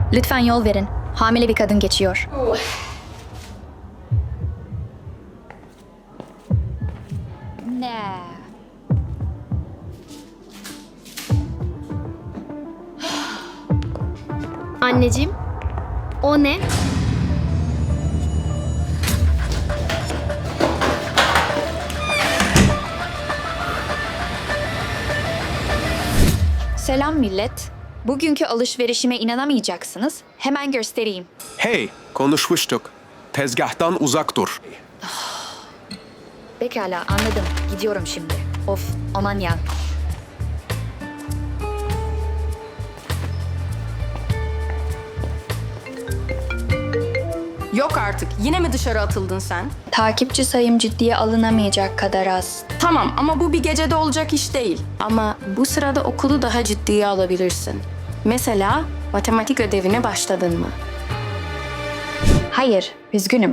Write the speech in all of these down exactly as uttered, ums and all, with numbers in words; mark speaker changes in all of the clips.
Speaker 1: Lütfen yol verin. Hamile bir kadın geçiyor. Ne?
Speaker 2: Anneciğim, o ne?
Speaker 1: Selam millet. Bugünkü alışverişime inanamayacaksınız. Hemen göstereyim.
Speaker 3: Hey, konuşmuştuk. Tezgahtan uzak dur.
Speaker 1: Pekala, anladım. Gidiyorum şimdi. Of, aman ya.
Speaker 4: Yok artık. Yine mi dışarı atıldın sen?
Speaker 1: Takipçi sayım ciddiye alınamayacak kadar az.
Speaker 4: Tamam ama bu bir gecede olacak iş değil. Ama bu sırada okulu daha ciddiye alabilirsin. Mesela matematik ödevine başladın mı?
Speaker 1: Hayır, üzgünüm.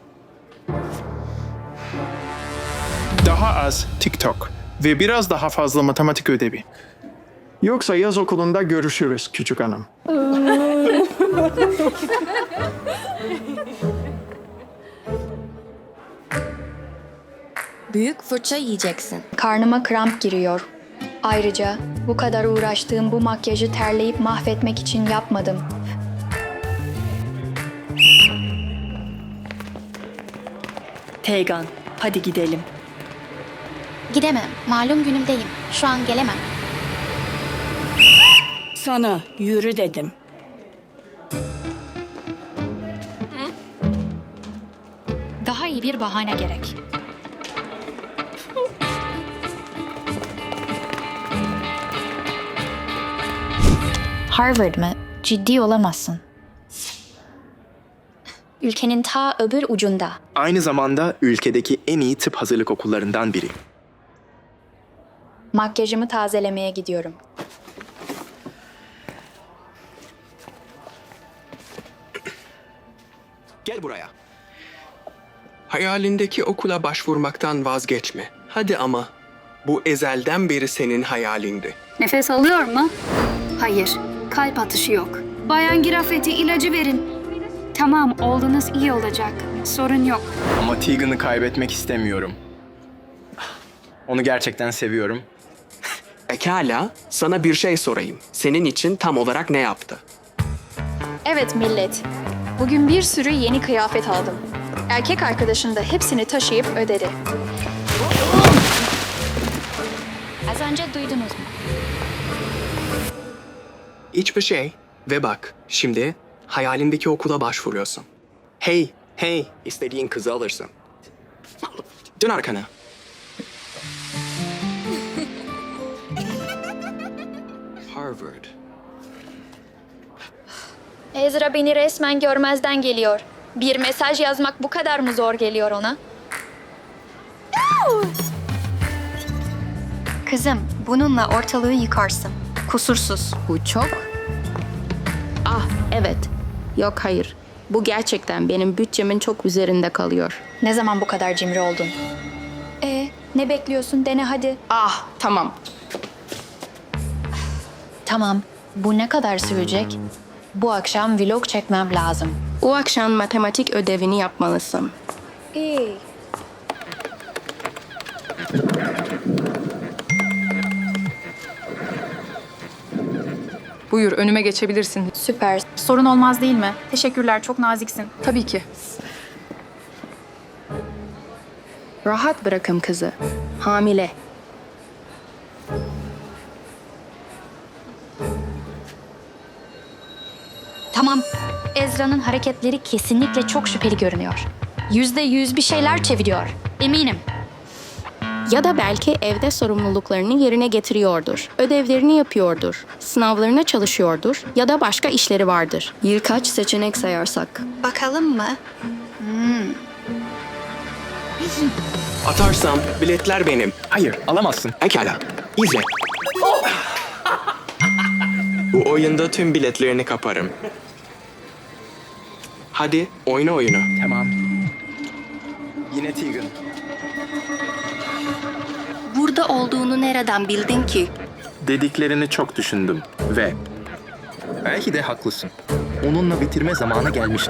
Speaker 5: Daha az TikTok ve biraz daha fazla matematik ödevi.
Speaker 6: Yoksa yaz okulunda görüşürüz küçük hanım.
Speaker 4: Büyük fırça yiyeceksin.
Speaker 1: Karnıma kramp giriyor. Ayrıca bu kadar uğraştığım bu makyajı terleyip mahvetmek için yapmadım.
Speaker 7: Teygan, hadi gidelim.
Speaker 2: Gidemem. Malum günümdeyim. Şu an gelemem.
Speaker 7: Sana yürü dedim.
Speaker 1: Daha iyi bir bahane gerek. Harvard mı? Ciddi olamazsın. Ülkenin ta öbür ucunda.
Speaker 8: Aynı zamanda ülkedeki en iyi tıp hazırlık okullarından biri.
Speaker 1: Makyajımı tazelemeye gidiyorum.
Speaker 8: Gel buraya.
Speaker 3: Hayalindeki okula başvurmaktan vazgeçme. Hadi ama. Bu ezelden beri senin hayalindi.
Speaker 9: Nefes alıyor mu? Hayır. Kalp atışı yok. Bayan Girafeti ilacı verin. Tamam, oğlunuz iyi olacak. Sorun yok.
Speaker 8: Ama Tegan'ı kaybetmek istemiyorum. Onu gerçekten seviyorum.
Speaker 10: Pekala, sana bir şey sorayım. Senin için tam olarak ne yaptı?
Speaker 1: Evet millet. Bugün bir sürü yeni kıyafet aldım. Erkek arkadaşım da hepsini taşıyıp ödedi. Az önce duydunuz mu?
Speaker 10: Hiçbir şey. Ve bak, şimdi hayalindeki okula başvuruyorsun.
Speaker 8: Hey, hey, istediğin kızı alırsın. Dön arkana.
Speaker 10: Harvard.
Speaker 1: Ezra beni resmen görmezden geliyor. Bir mesaj yazmak bu kadar mı zor geliyor ona? Kızım, bununla ortalığı yıkarsın. Kusursuz.
Speaker 4: Bu çok. Ah evet. Yok hayır. Bu gerçekten benim bütçemin çok üzerinde kalıyor.
Speaker 1: Ne zaman bu kadar cimri oldun? E, ne bekliyorsun? Dene hadi.
Speaker 4: Ah tamam.
Speaker 1: Tamam. Bu ne kadar sürecek? Bu akşam vlog çekmem lazım.
Speaker 4: O akşam matematik ödevini yapmalısın.
Speaker 1: İyi.
Speaker 11: Buyur, önüme geçebilirsin.
Speaker 1: Süper.
Speaker 11: Sorun olmaz değil mi? Teşekkürler, çok naziksin. Tabii ki.
Speaker 4: Rahat bırakın kızı. Hamile.
Speaker 1: Tamam. Ezra'nın hareketleri kesinlikle çok şüpheli görünüyor. Yüzde yüz bir şeyler çeviriyor. Eminim.
Speaker 4: Ya da belki evde sorumluluklarını yerine getiriyordur. Ödevlerini yapıyordur. Sınavlarına çalışıyordur. Ya da başka işleri vardır. Birkaç seçenek sayarsak.
Speaker 1: Bakalım mı?
Speaker 10: Atarsam biletler benim.
Speaker 8: Hayır, alamazsın.
Speaker 10: Pekala, izle. Bu oyunda tüm biletlerini kaparım. Hadi oyna oyunu.
Speaker 8: Tamam. Yine Tegan.
Speaker 4: Burada olduğunu nereden bildin ki?
Speaker 8: Dediklerini çok düşündüm ve
Speaker 12: Belki de haklısın. Onunla bitirme zamanı gelmişti.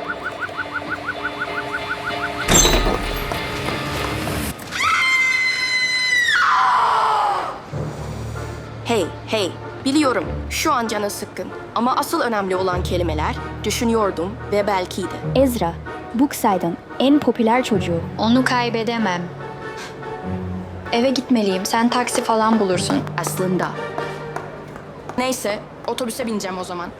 Speaker 4: Hey, hey, biliyorum şu an canı sıkkın. Ama asıl önemli olan kelimeler düşünüyordum ve belki de.
Speaker 1: Ezra, Brookside'ın en popüler çocuğu. Onu kaybedemem. Eve gitmeliyim. Sen taksi falan bulursun.
Speaker 4: Aslında. Neyse, otobüse bineceğim o zaman.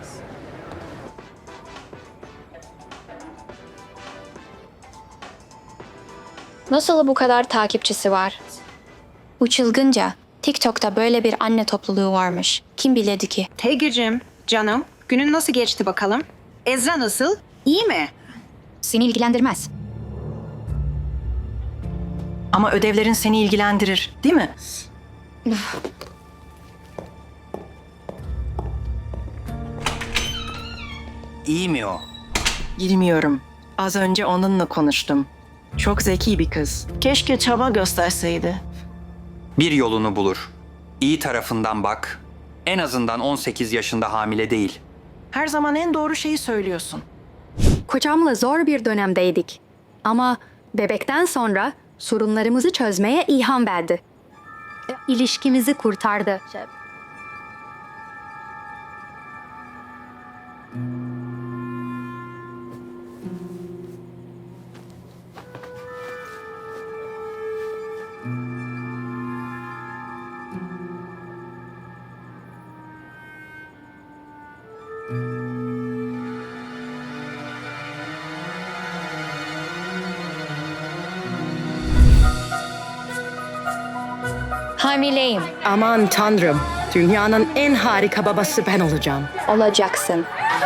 Speaker 1: Nasıl bu kadar takipçisi var? Bu çılgınca. TikTok'ta böyle bir anne topluluğu varmış. Kim bilirdi ki?
Speaker 13: Teygir'cim, canım, günün nasıl geçti bakalım? Ezra nasıl? İyi mi?
Speaker 1: Seni ilgilendirmez.
Speaker 7: Ama ödevlerin seni ilgilendirir, değil mi?
Speaker 12: İyi mi o?
Speaker 7: Bilmiyorum. Az önce onunla konuştum. Çok zeki bir kız. Keşke çaba gösterseydi.
Speaker 14: Bir yolunu bulur. İyi tarafından bak. En azından on sekiz yaşında hamile değil.
Speaker 7: Her zaman en doğru şeyi söylüyorsun.
Speaker 15: Kocamla zor bir dönemdeydik. Ama bebekten sonra sorunlarımızı çözmeye ilham verdi. İlişkimizi kurtardı.
Speaker 1: Hamileyim.
Speaker 7: Aman tanrım, dünyanın en harika babası ben olacağım.
Speaker 1: Olacaksın.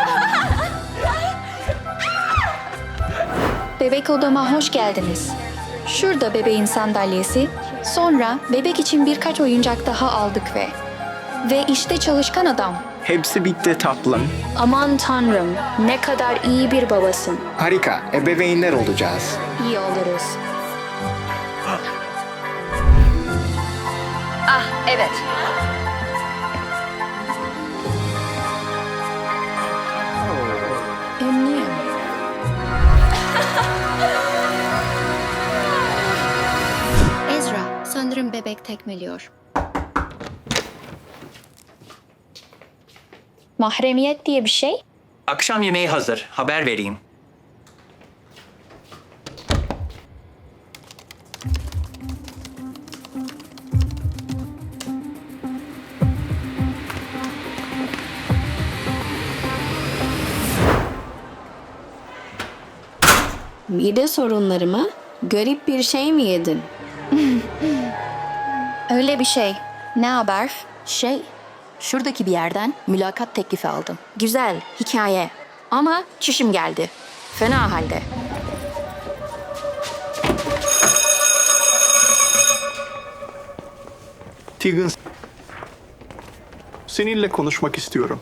Speaker 1: Bebek odama hoş geldiniz. Şurada bebeğin sandalyesi. Sonra bebek için birkaç oyuncak daha aldık ve... Ve işte çalışkan adam.
Speaker 6: Hepsi bitti tatlım.
Speaker 1: Aman tanrım, ne kadar iyi bir babasın.
Speaker 6: Harika, ebeveynler olacağız.
Speaker 1: İyi oluruz. Ah, evet. Annem.
Speaker 2: Ezra, sanırım bebek tekmeliyor.
Speaker 1: Mahremiyet diye bir şey.
Speaker 14: Akşam yemeği hazır. Haber vereyim.
Speaker 15: Mide sorunları mı? Garip bir şey mi yedin?
Speaker 1: Öyle bir şey. Ne haber?
Speaker 4: Şey, şuradaki bir yerden mülakat teklifi aldım. Güzel, hikaye. Ama çişim geldi. Fena halde.
Speaker 6: Tegan, seninle konuşmak istiyorum.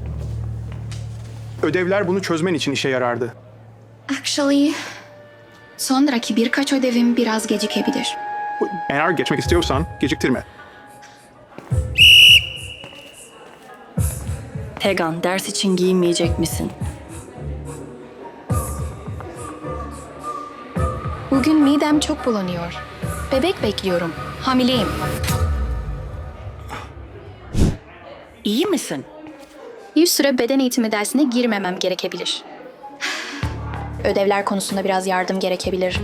Speaker 6: Ödevler bunu çözmen için işe yarardı.
Speaker 2: Actually, sonraki birkaç ödevim biraz gecikebilir.
Speaker 6: Eğer geçmek istiyorsan geciktirme.
Speaker 7: Tegan, ders için giyinmeyecek misin?
Speaker 1: Bugün midem çok bulanıyor. Bebek bekliyorum. Hamileyim.
Speaker 7: İyi misin?
Speaker 1: Bir süre beden eğitimi dersine girmemem gerekebilir. Ödevler konusunda biraz yardım gerekebilir.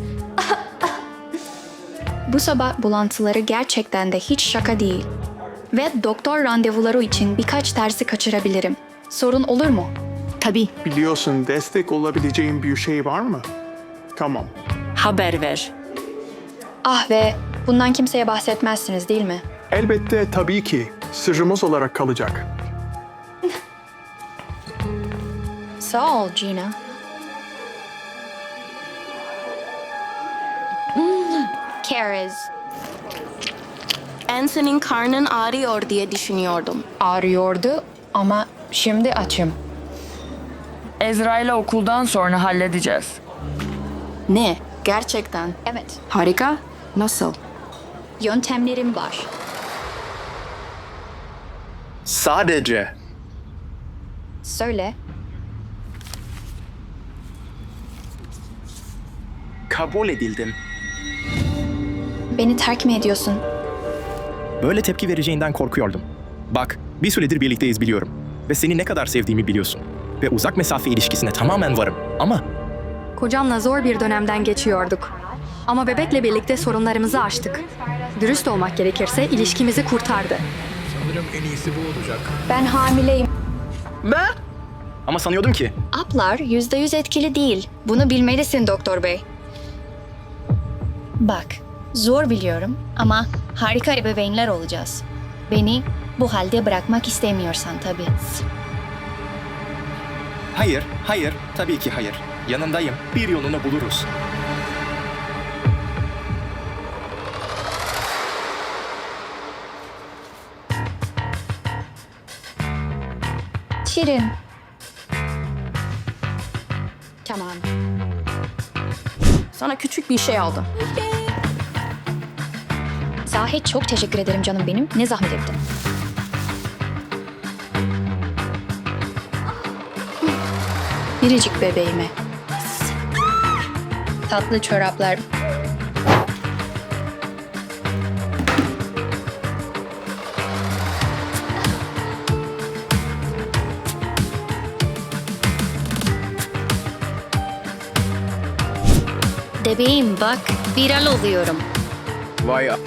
Speaker 1: Bu sabah bulantıları gerçekten de hiç şaka değil. Ve doktor randevuları için birkaç dersi kaçırabilirim. Sorun olur mu?
Speaker 7: Tabii.
Speaker 6: Biliyorsun destek olabileceğin bir şey var mı? Tamam.
Speaker 7: Haber ver.
Speaker 1: Ah ve bundan kimseye bahsetmezsiniz değil mi?
Speaker 6: Elbette tabii ki. Sırrımız olarak kalacak.
Speaker 1: Sağ ol Gina. Kariz.
Speaker 4: Anson'in karnın ağrıyor diye düşünüyordum.
Speaker 1: Ağrıyordu ama şimdi açım.
Speaker 16: Ezra ile okuldan sonra halledeceğiz.
Speaker 4: Ne? Gerçekten?
Speaker 1: Evet.
Speaker 4: Harika. Nasıl?
Speaker 1: Yöntemlerim var.
Speaker 5: Sadece.
Speaker 1: Söyle.
Speaker 12: Kabul edildim.
Speaker 1: Beni terk mi ediyorsun?
Speaker 12: Böyle tepki vereceğinden korkuyordum. Bak, bir süredir birlikteyiz biliyorum. Ve seni ne kadar sevdiğimi biliyorsun. Ve uzak mesafe ilişkisine tamamen varım. Ama
Speaker 11: Kocamla zor bir dönemden geçiyorduk. Ama bebekle birlikte sorunlarımızı aştık. Dürüst olmak gerekirse ilişkimizi kurtardı.
Speaker 5: Sanırım en iyisi bu olacak.
Speaker 1: Ben hamileyim.
Speaker 12: ama sanıyordum ki
Speaker 1: Aplar yüzde yüz etkili değil. Bunu bilmelisin doktor bey. Bak, zor biliyorum ama harika ebeveynler olacağız. Beni bu halde bırakmak istemiyorsan tabii.
Speaker 12: hayır, hayır, tabii ki hayır. Yanındayım. Bir yolunu buluruz.
Speaker 1: Şirin. Tamam.
Speaker 4: Sana küçük bir şey aldım.
Speaker 1: Sahi çok teşekkür ederim canım benim. Ne zahmet ettin. Biricik bebeğime. Tatlı çoraplar. Bebeğim bak, viral oluyorum.
Speaker 5: Vay
Speaker 1: Ay.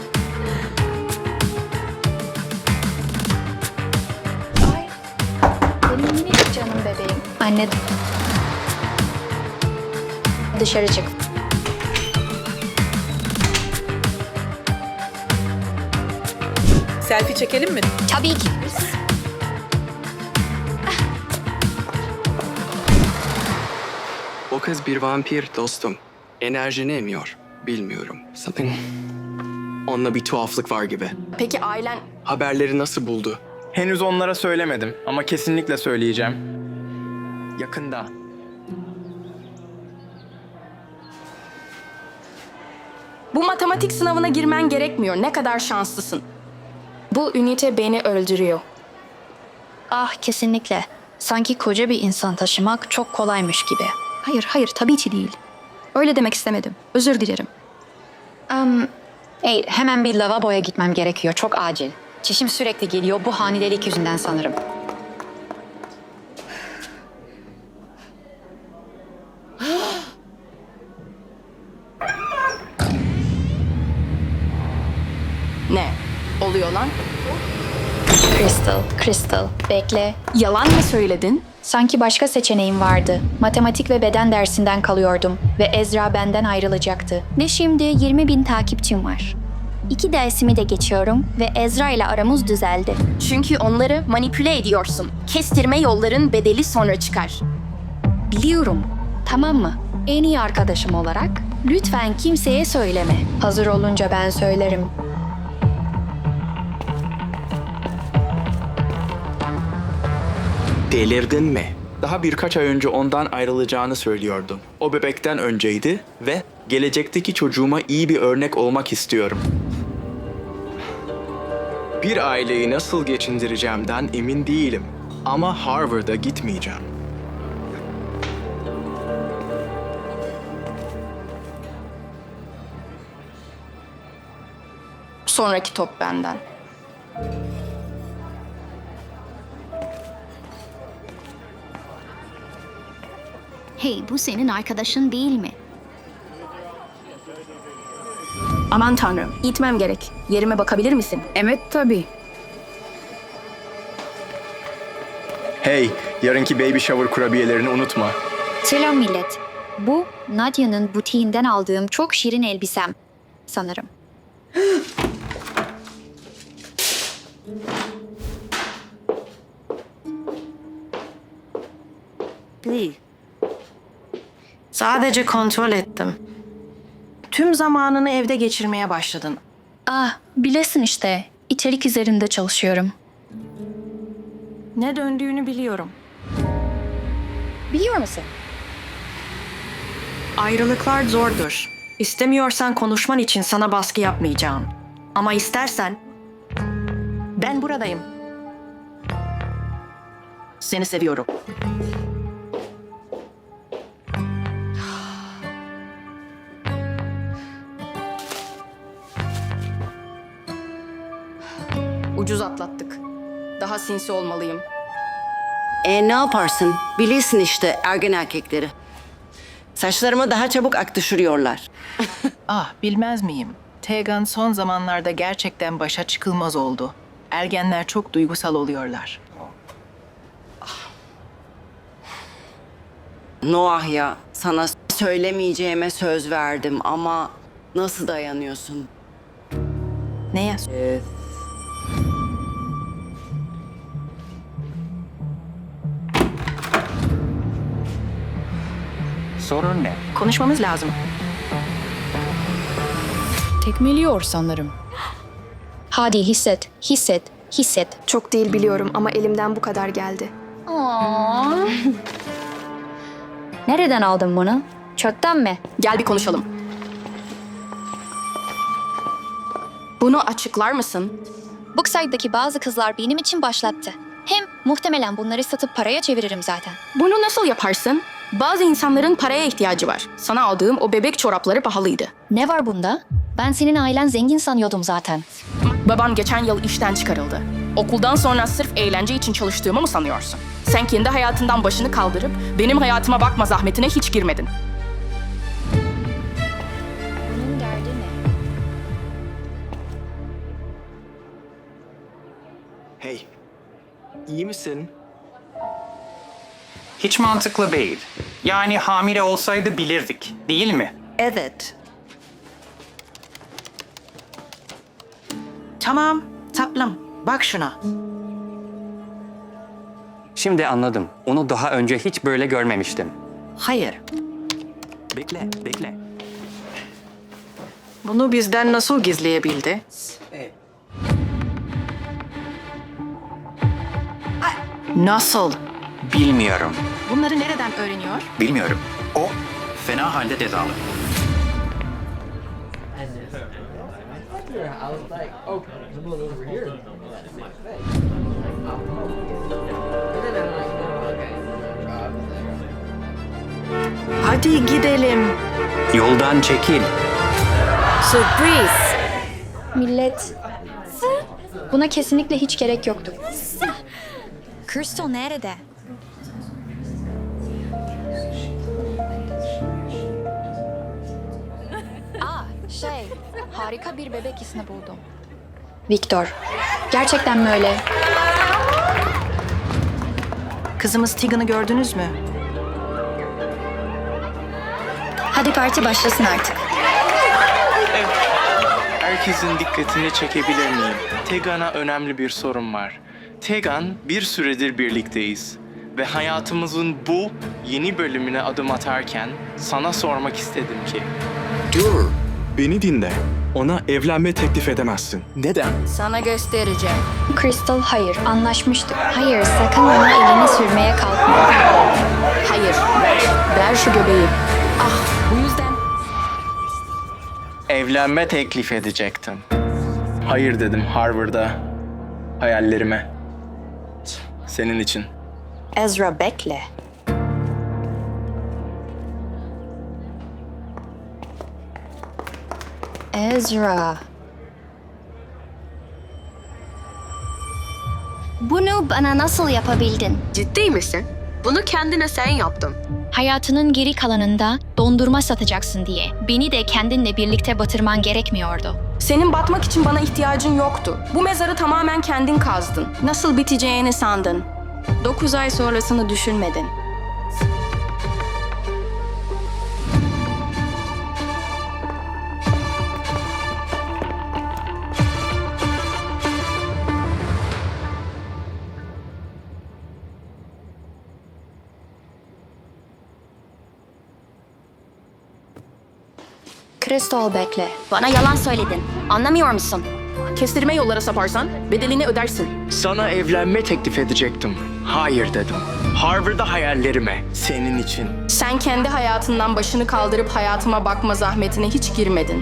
Speaker 1: Benim minicik canım bebeğim. Anne. Dışarı çık.
Speaker 11: Selfie çekelim mi?
Speaker 1: Tabii ki.
Speaker 3: O kız bir vampir dostum. Enerjini emiyor. Bilmiyorum. Something. Onunla bir tuhaflık var gibi.
Speaker 4: Peki ailen...
Speaker 3: Haberleri nasıl buldu?
Speaker 5: Henüz onlara söylemedim ama kesinlikle söyleyeceğim.
Speaker 12: Yakında.
Speaker 4: Bu matematik sınavına girmen gerekmiyor. Ne kadar şanslısın. Bu ünite beni öldürüyor.
Speaker 1: Ah kesinlikle. Sanki koca bir insan taşımak çok kolaymış gibi.
Speaker 11: Hayır, hayır tabii ki değil. Öyle demek istemedim. Özür dilerim.
Speaker 17: Um, hey, hemen bir lavaboya gitmem gerekiyor. Çok acil. Çişim sürekli geliyor. Bu hamilelik yüzünden sanırım.
Speaker 4: Ne? Oluyor lan?
Speaker 1: Crystal, Crystal. Bekle.
Speaker 4: Yalan mı söyledin?
Speaker 1: Sanki başka seçeneğim vardı. Matematik ve beden dersinden kalıyordum ve Ezra benden ayrılacaktı. Ve şimdi yirmi bin takipçim var. İki dersimi de geçiyorum ve Ezra ile aramız düzeldi.
Speaker 4: Çünkü onları manipüle ediyorsun. Kestirme yolların bedeli sonra çıkar.
Speaker 1: Biliyorum. Tamam mı? En iyi arkadaşım olarak lütfen kimseye söyleme. Hazır olunca ben söylerim.
Speaker 10: Delirdin mi? Daha birkaç ay önce ondan ayrılacağını söylüyordun. O bebekten önceydi ve gelecekteki çocuğuma iyi bir örnek olmak istiyorum.
Speaker 3: Bir aileyi nasıl geçindireceğimden emin değilim. Ama Harvard'a gitmeyeceğim.
Speaker 4: Sonraki top benden.
Speaker 2: Hey, bu senin arkadaşın değil mi?
Speaker 4: Aman tanrım, gitmem gerek. Yerime bakabilir misin?
Speaker 11: Evet tabii.
Speaker 5: Hey, yarınki baby shower kurabiyelerini unutma.
Speaker 1: Selam millet. Bu Nadia'nın butiğinden aldığım çok şirin elbisem. Sanırım.
Speaker 7: Sadece kontrol ettim. Tüm zamanını evde geçirmeye başladın.
Speaker 1: Ah, bilesin işte. İçerik üzerinde çalışıyorum.
Speaker 7: Ne döndüğünü biliyorum.
Speaker 1: Biliyor musun?
Speaker 7: Ayrılıklar zordur. İstemiyorsan konuşman için sana baskı yapmayacağım. Ama istersen ben buradayım. Seni seviyorum.
Speaker 4: Ucuz atlattık. Daha sinsi olmalıyım.
Speaker 18: E ne yaparsın? Bilirsin işte ergen erkekleri. Saçlarıma daha çabuk ak düşürüyorlar.
Speaker 7: Ah, bilmez miyim? Tegan son zamanlarda gerçekten başa çıkılmaz oldu. Ergenler çok duygusal oluyorlar.
Speaker 18: Noah ya, sana söylemeyeceğime söz verdim ama nasıl dayanıyorsun?
Speaker 7: Neye?
Speaker 18: Ee,
Speaker 14: Sorun ne?
Speaker 7: Konuşmamız lazım.
Speaker 4: Tekmeliyor sanırım.
Speaker 1: Hadi hisset, hisset, hisset.
Speaker 11: Çok değil biliyorum ama elimden bu kadar geldi.
Speaker 1: Nereden aldın bunu? Çöpten mi?
Speaker 4: Gel bir konuşalım. Bunu açıklar mısın?
Speaker 1: Bookside'daki bazı kızlar benim için başlattı. Hem muhtemelen bunları satıp paraya çeviririm zaten.
Speaker 4: Bunu nasıl yaparsın? Bazı insanların paraya ihtiyacı var. Sana aldığım o bebek çorapları pahalıydı.
Speaker 1: Ne var bunda? Ben senin ailen zengin sanıyordum zaten.
Speaker 4: Baban geçen yıl işten çıkarıldı. Okuldan sonra sırf eğlence için çalıştığımı mı sanıyorsun? Sen kendi hayatından başını kaldırıp benim hayatıma bakma zahmetine hiç girmedin.
Speaker 1: Bunun derdi ne?
Speaker 8: Hey, iyi misin?
Speaker 14: Hiç mantıklı değil. Yani hamile olsaydı bilirdik, değil mi?
Speaker 7: Evet. Tamam, tatlım. Bak şuna.
Speaker 14: Şimdi anladım. Onu daha önce hiç böyle görmemiştim.
Speaker 7: Hayır.
Speaker 14: Bekle, bekle.
Speaker 7: Bunu bizden nasıl gizleyebildi? Nasıl?
Speaker 14: Bilmiyorum.
Speaker 7: Bunları nereden öğreniyor?
Speaker 14: Bilmiyorum. O fena halde cezalı.
Speaker 7: Hadi gidelim.
Speaker 14: Yoldan çekil.
Speaker 1: Sürpriz. Millet. Buna kesinlikle hiç gerek yoktu. Crystal nerede? Aa, şey, harika bir bebek ismi buldum. Victor. Gerçekten mi öyle?
Speaker 7: Kızımız Tegan'ı gördünüz mü?
Speaker 1: Hadi parti başlasın artık.
Speaker 5: Herkesin dikkatini çekebilir miyim? Tegan'a önemli bir sorun var. Tegan, bir süredir birlikteyiz. Ve hayatımızın bu yeni bölümüne adım atarken sana sormak istedim ki...
Speaker 3: Dur, beni dinle. Ona evlenme teklif edemezsin.
Speaker 12: Neden?
Speaker 4: Sana göstereceğim.
Speaker 1: Crystal hayır, anlaşmıştık. Hayır, sakın ona elini sürmeye kalkma.
Speaker 4: Hayır, ver. Ver şu göbeği. Ah, bu yüzden...
Speaker 5: Evlenme teklif edecektim. Hayır dedim Harvard'a. Hayallerime. Senin için.
Speaker 1: Ezra bekle. Ezra.
Speaker 2: Bunu bana nasıl yapabildin?
Speaker 11: Ciddi misin? Bunu kendine sen yaptın.
Speaker 1: Hayatının geri kalanında dondurma satacaksın diye beni de kendinle birlikte batırman gerekmiyordu.
Speaker 4: Senin batmak için bana ihtiyacın yoktu. Bu mezarı tamamen kendin kazdın. Nasıl biteceğini sandın. Dokuz ay sonrasını düşünmedin.
Speaker 1: Crystal bekle.
Speaker 2: Bana yalan söyledin. Anlamıyor musun?
Speaker 4: Kestirme yollara saparsan bedelini ödersin.
Speaker 5: Sana evlenme teklif edecektim. Hayır dedim. Harvard'da hayallerime. Senin için.
Speaker 4: Sen kendi hayatından başını kaldırıp hayatıma bakma zahmetine hiç girmedin.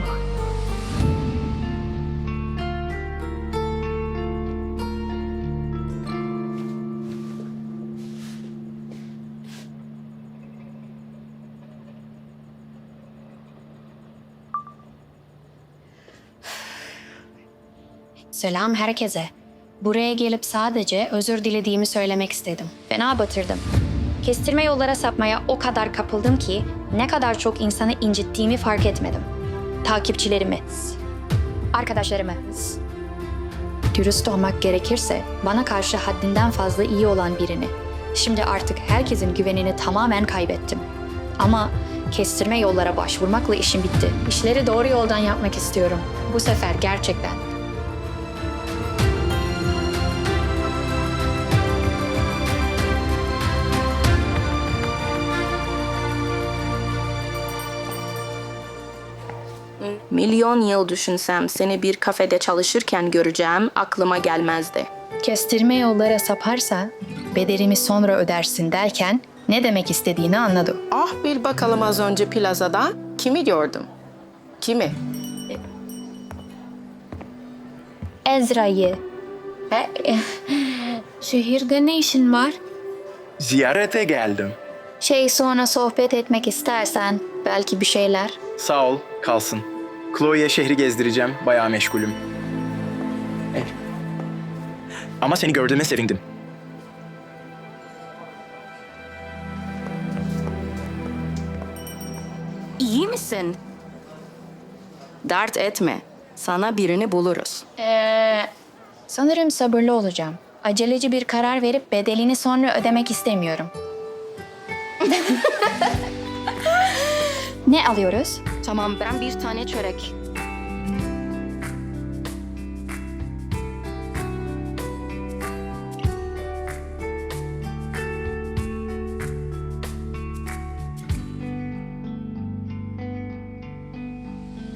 Speaker 1: Selam herkese. Buraya gelip sadece özür dilediğimi söylemek istedim. Fena batırdım. Kestirme yollara sapmaya o kadar kapıldım ki ne kadar çok insanı incittiğimi fark etmedim. Takipçilerimi, arkadaşlarımı. Dürüst olmak gerekirse bana karşı haddinden fazla iyi olan birini. Şimdi artık herkesin güvenini tamamen kaybettim. Ama kestirme yollara başvurmakla işim bitti. İşleri doğru yoldan yapmak istiyorum. Bu sefer gerçekten.
Speaker 4: Milyon yıl düşünsem seni bir kafede çalışırken göreceğim aklıma gelmezdi.
Speaker 1: Kestirme yollara saparsa bedelimi sonra ödersin derken ne demek istediğini anladım.
Speaker 4: Ah bil bakalım az önce plazada kimi gördüm? Kimi?
Speaker 1: Ezra'yı. E, e, şehirde ne işin var?
Speaker 10: Ziyarete geldim.
Speaker 1: Şey sonra sohbet etmek istersen belki bir şeyler.
Speaker 10: Sağ ol, kalsın. Chloe'ye şehri gezdireceğim, bayağı meşgulüm. Eh. Ama seni gördüğüme sevindim.
Speaker 4: İyi misin? Dert etme. Sana birini buluruz.
Speaker 1: Ee, sanırım sabırlı olacağım. Aceleci bir karar verip bedelini sonra ödemek istemiyorum. Ne alıyoruz?
Speaker 4: Tamam ben bir tane çörek.